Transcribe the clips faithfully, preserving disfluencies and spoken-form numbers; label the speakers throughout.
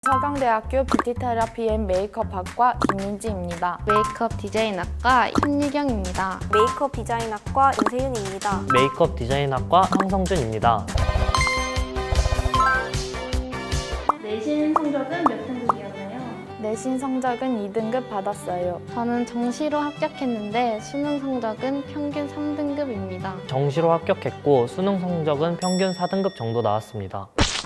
Speaker 1: 서강대학교 뷰티테라피 앤 메이크업학과 김민지입니다.
Speaker 2: 메이크업 디자인학과 신유경입니다.
Speaker 3: 메이크업 디자인학과 임세윤입니다.
Speaker 4: 메이크업 디자인학과 황성준입니다.
Speaker 5: 내신 성적은 몇 등급이었나요?
Speaker 1: 내신 성적은 이 등급 받았어요.
Speaker 2: 저는 정시로 합격했는데 수능 성적은 평균 삼 등급입니다.
Speaker 4: 정시로 합격했고 수능 성적은 평균 사 등급 정도 나왔습니다.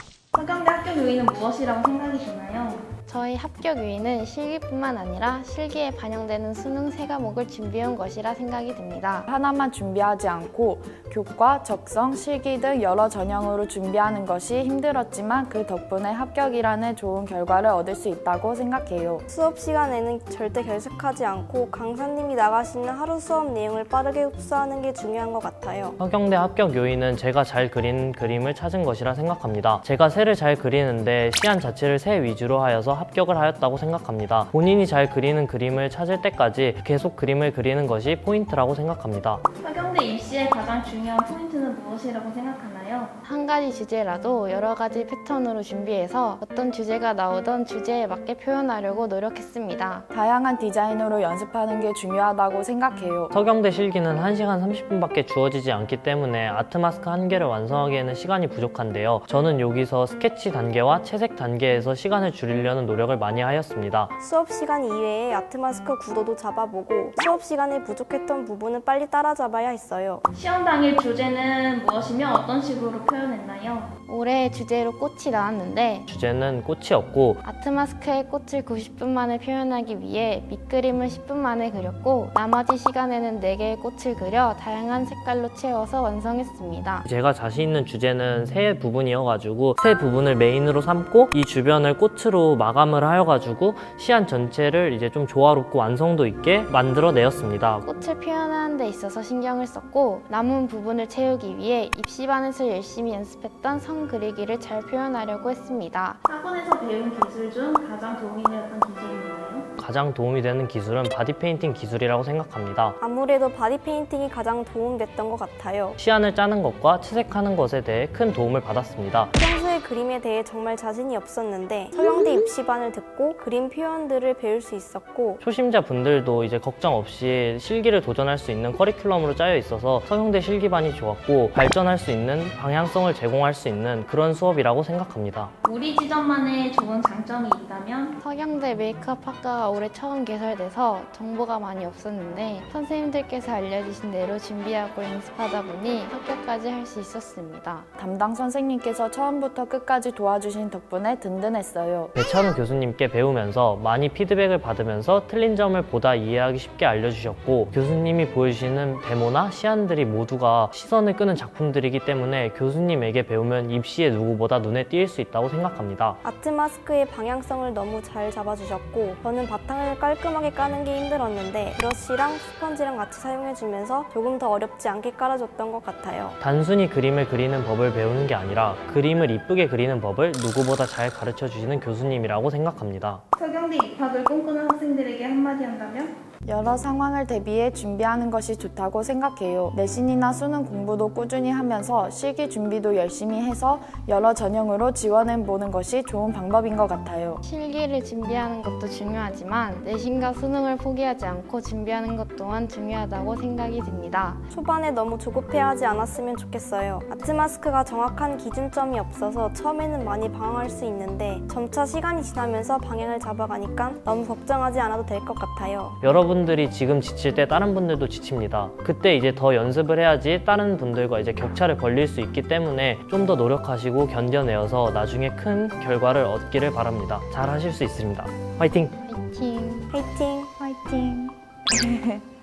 Speaker 5: 서강대 합격 요인은 무엇이라고 생각이 드나요?
Speaker 2: 저희 합격 요인은 실기뿐만 아니라 실기에 반영되는 수능 세 과목을 준비해온 것이라 생각이 듭니다.
Speaker 1: 하나만 준비하지 않고 교과, 적성, 실기 등 여러 전형으로 준비하는 것이 힘들었지만 그 덕분에 합격이라는 좋은 결과를 얻을 수 있다고 생각해요.
Speaker 3: 수업 시간에는 절대 결석하지 않고 강사님이 나가시는 하루 수업 내용을 빠르게 흡수하는 게 중요한 것 같아요.
Speaker 4: 서경대 합격 요인은 제가 잘 그린 그림을 찾은 것이라 생각합니다. 제가 새를 잘 그리는데 시안 자체를 새 위주로 하여서 합격을 하였다고 생각합니다. 본인이 잘 그리는 그림을 찾을 때까지 계속 그림을 그리는 것이 포인트라고 생각합니다.
Speaker 5: 서강대 입시의 가장 중요한 포인트는 무엇이라고 생각하나요?
Speaker 2: 한 가지 주제라도 여러 가지 패턴으로 준비해서 어떤 주제가 나오던 주제에 맞게 표현하려고 노력했습니다.
Speaker 1: 다양한 디자인으로 연습하는 게 중요하다고 생각해요.
Speaker 4: 서경대 실기는 한 시간 삼십 분밖에 주어지지 않기 때문에 아트 마스크 한 개를 완성하기에는 시간이 부족한데요. 저는 여기서 스케치 단계와 채색 단계에서 시간을 줄이려는 노력을 많이 하였습니다.
Speaker 3: 수업 시간 이외에 아트마스크 구도도 잡아보고 수업 시간에 부족했던 부분은 빨리 따라잡아야 했어요.
Speaker 5: 시험 당일 주제는 무엇이며 어떤 식으로 표현했나요?
Speaker 2: 올해 주제로 꽃이 나왔는데
Speaker 4: 주제는 꽃이 없고
Speaker 2: 아트마스크의 꽃을 구십 분 만에 표현하기 위해 밑그림을 십 분 만에 그렸고 나머지 시간에는 네 개의 꽃을 그려 다양한 색깔로 채워서 완성했습니다.
Speaker 4: 제가 자신 있는 주제는 세 부분이어가지고 세 부분을 메인으로 삼고 이 주변을 꽃으로 마감을 하여가지고 시안 전체를 이제 좀 조화롭고 완성도 있게 만들어내었습니다.
Speaker 2: 꽃을 표현하는 데 있어서 신경을 썼고 남은 부분을 채우기 위해 입시반에서 열심히 연습했던 선 그리기를 잘 표현하려고 했습니다.
Speaker 5: 학원에서 배운 기술 중 가장 도움이 되었던 기술이 뭐예요?
Speaker 4: 가장 도움이 되는 기술은 바디 페인팅 기술이라고 생각합니다.
Speaker 3: 아무래도 바디 페인팅이 가장 도움됐던 것 같아요.
Speaker 4: 시안을 짜는 것과 채색하는 것에 대해 큰 도움을 받았습니다.
Speaker 3: 평소에 그림에 대해 정말 자신이 없었는데 서경대 입시반을 듣고 그림 표현들을 배울 수 있었고
Speaker 4: 초심자 분들도 이제 걱정 없이 실기를 도전할 수 있는 커리큘럼으로 짜여 있어서 서경대 실기반이 좋았고 발전할 수 있는 방향성을 제공할 수 있는 그런 수업이라고 생각합니다.
Speaker 5: 우리 지점만의 좋은 장점이 있다면?
Speaker 2: 서경대 메이크업 학과가 올해 처음 개설돼서 정보가 많이 없었는데 선생님들께서 알려주신 대로 준비하고 연습하다 보니 합격까지 할 수 있었습니다.
Speaker 1: 담당 선생님께서 처음부터 끝까지 도와주신 덕분에 든든했어요.
Speaker 4: 배찬우 교수님께 배우면서 많이 피드백을 받으면서 틀린 점을 보다 이해하기 쉽게 알려주셨고 교수님이 보여주시는 데모나 시안들이 모두가 시선을 끄는 작품들이기 때문에 교수님에게 배우면 입시에 누구보다 눈에 띌 수 있다고 생각합니다.
Speaker 3: 아트마스크의 방향성을 너무 잘 잡아주셨고 저는 바탕을 깔끔하게 까는 게 힘들었는데 브러쉬랑 스펀지랑 같이 사용해주면서 조금 더 어렵지 않게 깔아줬던 것 같아요.
Speaker 4: 단순히 그림을 그리는 법을 배우는 게 아니라 그림을 이쁘게 그리는 법을 누구보다 잘 가르쳐 주시는 교수님이라고 생각합니다.
Speaker 5: 서경대 입학을 꿈꾸는 학생들에게 한마디 한다면?
Speaker 1: 여러 상황을 대비해 준비하는 것이 좋다고 생각해요. 내신이나 수능 공부도 꾸준히 하면서 실기 준비도 열심히 해서 여러 전형으로 지원해보는 것이 좋은 방법인 것 같아요.
Speaker 2: 실기를 준비하는 것도 중요하지만 내신과 수능을 포기하지 않고 준비하는 것 또한 중요하다고 생각이 듭니다.
Speaker 3: 초반에 너무 조급해하지 않았으면 좋겠어요. 아트마스크가 정확한 기준점이 없어서 처음에는 많이 방황할 수 있는데 점차 시간이 지나면서 방향을 잡아가니까 너무 걱정하지 않아도 될 것 같아요.
Speaker 4: 여러분들이 지금 지칠 때 다른 분들도 지칩니다. 그때 이제 더 연습을 해야지 다른 분들과 이제 격차를 벌릴 수 있기 때문에 좀 더 노력하시고 견뎌내어서 나중에 큰 결과를 얻기를 바랍니다. 잘 하실 수 있습니다. 화이팅!
Speaker 2: 화이팅!
Speaker 3: 화이팅!
Speaker 1: 화이팅!